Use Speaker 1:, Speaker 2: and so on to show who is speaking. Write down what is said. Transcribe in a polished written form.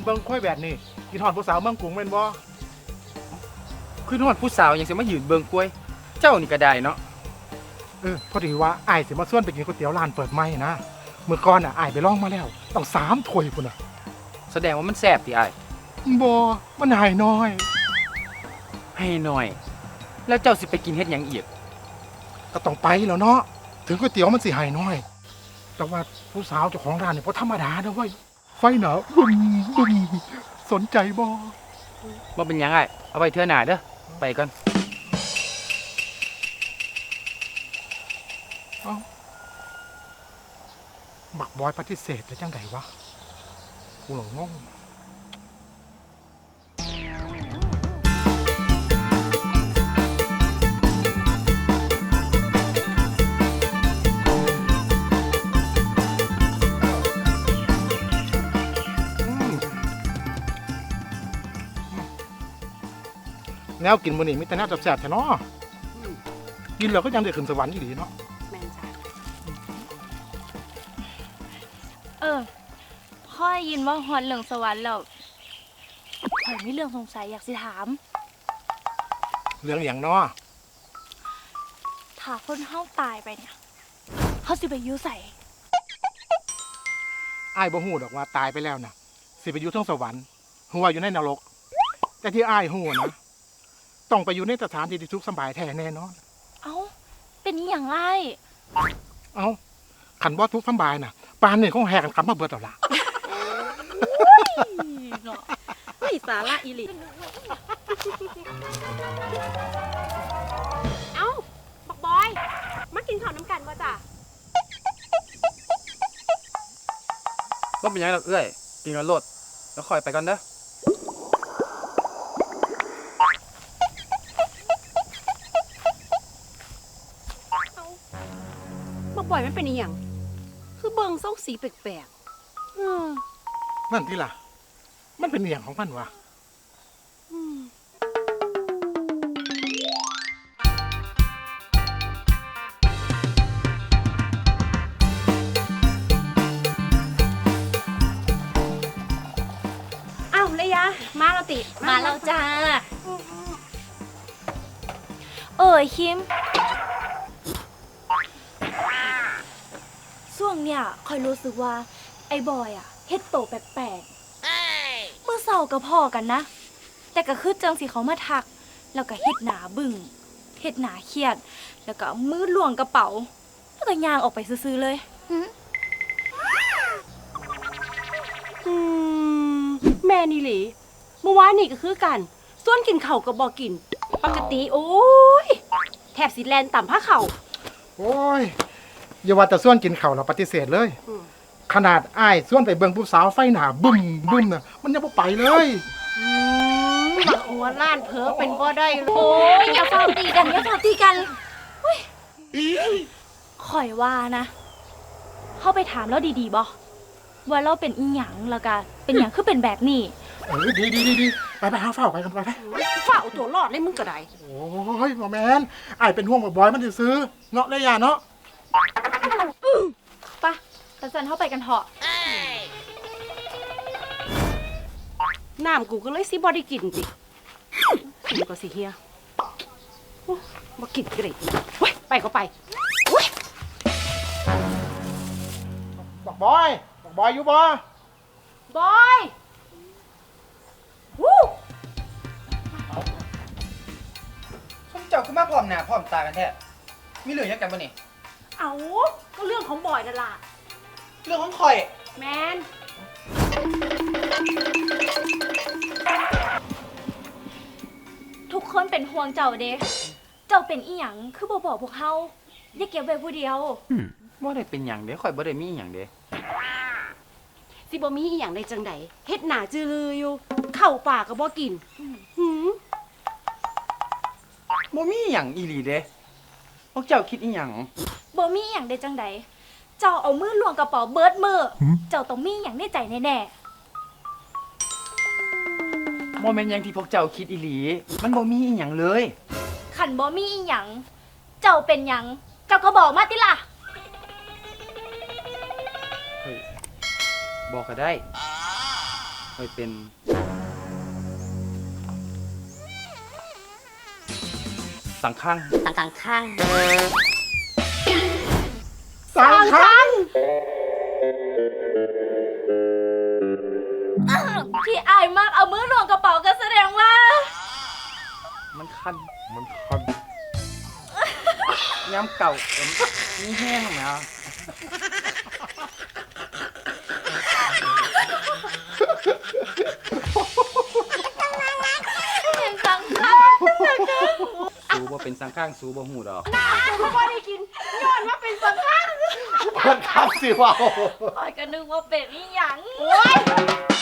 Speaker 1: เบิ่งค่อยแบบนี้กินหอดผู้สาวเมืองกรุงแม่นบ่
Speaker 2: คือฮอดผู้สาวยังสิมายืนเบิ่งกล้วย เจ้านี่ก็ได้เนาะ
Speaker 1: พอดีว่าอ้ายสิมาชวนไปกินก๋วยเตี๋ยวร้านเปิดใหม่นะมื้อก่อนอ้ายไปลองมาแล้วต้อง3 ถ้วยพุ่นน่ะ
Speaker 2: แสดงว่ามันแซ่บติอ้าย
Speaker 1: บ่มันหายน้อย
Speaker 2: ให้หน่อย แล้วเจ้าสิไปกินเฮ็ดหยังอีก
Speaker 1: ก็ต้องไปแล้วเนาะถึงก๋วยเตี๋ยวมันสิหายน้อย แต่ว่าผู้สาวเจ้าของร้านเนี่ยบ่ธรรมดาเด้อเว้ยไฟหนาบึ้มสนใจบ่
Speaker 2: เป็นหยังอ้ายเอาไปเทื่อหน้าเด้อไปก่อน
Speaker 1: บักบอยปฏิเสธแล้วจังไดวะกูหลงงงแนวกินมื้อนี้มีแต่แนวแซ่บๆแท้เนาะกินแล้วก็ยังได้ขึ้นสวรรค์อยู่ดีเนาะ
Speaker 3: แม่นจ้ะ
Speaker 4: พ่อยินว่าฮอดเรื่องสวรรค์แล้วข่อยมีเรื่องสงสัยอยากสิถาม
Speaker 1: เรื่องอย่างเนาะ
Speaker 4: ถ้าคนเฮาตายไปเนี่ยเฮาสิไปอยู่ไส
Speaker 1: อ้ายบ่ฮู้ดอกว่าตายไปแล้วน่ะสิไปอยู่เทิงสวรรค์ฮู้ว่าอยู่ในนรกแต่ที่อ้ายฮู้นะต้องไปอยู่ในสถานที่ที่ทุกข์สบายแท้แน่นอน
Speaker 4: เอ้าเป็นอีหยังอ้าย
Speaker 1: เอ้าคันบ่ทุกข์สบายน่ะปานนี้คงแหกกันกลับมาเบิดแล้วล่ะ
Speaker 3: เนาะไม่สาระอีหลีเอ้าบักบอยมากินข้าวน้ำกันบ่จ้ะ
Speaker 2: บ่เป็นหยังดอกเอ้ยกินกันโลดแล้วค่อยไปก่อนเด้อ
Speaker 3: บักบอยมันเป็นอีหยังคือเบิ่งทรงสีแปลกๆ
Speaker 1: นั่นที่ล่ะมันเป็นอย่างของมันวะ
Speaker 3: อ้าวเลยยะมาแล้วติ
Speaker 4: มาแล้วจ้าคิมช่วงเนี่ยคอยรู้สึกว่าไอ้บอยอ่ะเฮ็ดโตแปลกๆเมื่อเศร้ากับพ่อกันนะแต่ก็คือจังสิเขามาทักแล้วก็เฮ็ดหนาบึ้งเฮ็ดหนาเครียดแล้วก็มือล้วงกระเป๋าแล้วก็ย่างออกไปซื่อๆเลย
Speaker 3: แม่นี่หลีเมื่อวานนี่ก็คือกันส่วนกินเข่ากับบอกินปกติโอ้ยแทบสิแลนต่ำผ้าเข่า
Speaker 1: โอ้ยอย่าว่าแต่ส่วนกินข้าวเราปฏิเสธเลยขนาดอ้ายส่วนไปเบิ่งผู้สาวไฟหนาบึ้มน่ะมันยังบ่ไปเลย
Speaker 3: บักหัวล้านเผลอเป็นบ่ได้เลย
Speaker 4: โอ้ยอย่าฟ้าตีกันข่อยว่านะเข้าไปถามแล้วดีๆบ่ว่าเราเป็นอีหยังแล้วก็เป็นหยังคือเป็นแบบนี้
Speaker 1: ดีไปหาเฝ้าไปกันไป
Speaker 3: เฝ้าตัวรอดเลยมึงก็ได้
Speaker 1: โอ้ยหมอแมนอ้ายเป็นห่วงบ่อยมันสิซื้อเนาะเลยย่าเนาะ
Speaker 4: ปะแต่สันเข้าไปกันเถอะ
Speaker 3: น้ำกูก็เลยสิบ่ได้กินจิกูก็สิเฮียบ่กินก็ได้เว้ยไปก็ไปเว้ย
Speaker 1: บอกบอยอยู่บ่
Speaker 3: บอยวู้
Speaker 2: ผมเจ้าคือมาพร้อมหน้าพร้อมตากันแท้มีเรื่องหยังกันบ่นี่
Speaker 3: เอาก็เรื่องของบอยนั่นล่ะ
Speaker 2: เรื่องของข่อย
Speaker 3: แมน
Speaker 4: ทุกคนเป็นห่วงเจ้าเด้เจ้าเป็นอีหยังคือบ่บอกพวกเฮาอย่าเก็บไว้ผู้เดียว
Speaker 2: บ่ได้เป็นหยังเด้ข่อยบ่ได้มีหยังเด้
Speaker 3: สิบ่มีอีหยังได้จังไดเฮ็ดหน้าจือลืออยู่เข้าป่าก็บ่กิน
Speaker 2: บ่มีหยังอีหลีเด้พวกเจ้าคิดอีหยัง
Speaker 4: บ่มีอีหยังได้จังไดเจ้าเอามือล้วงกระเป๋าเบิดมือเจ้าต้องมีอีหยังในใจแน่
Speaker 2: ๆบ่แม่นหยังที่พวกเจ้าคิดอีหลีมันบ่มีอีหยังเลย
Speaker 4: คันบ่มีอีหยังเจ้าเป็นหยังเจ้าก็บอกมาติล่ะ
Speaker 2: บอกก็ได้ค่อยเป็นสังข้าง
Speaker 3: ต่างข้าง
Speaker 1: สังขัง
Speaker 4: ที่อายมากเอามือลงกระเป๋าก็แสดงว่า
Speaker 2: มันคัน
Speaker 1: มันคัน
Speaker 2: ย้ำเก่านี่แห้งนะ
Speaker 4: เป็นสังข้าง
Speaker 2: สูบ่เป็นสังข้างสูบ่หูดอก
Speaker 3: เขาบ่ได้กินย้อนว่าเป็นสังข้าง
Speaker 1: มันคันสิว่า
Speaker 4: ออยก็นึกว่าเป็นอีหยัง
Speaker 3: โอ้ย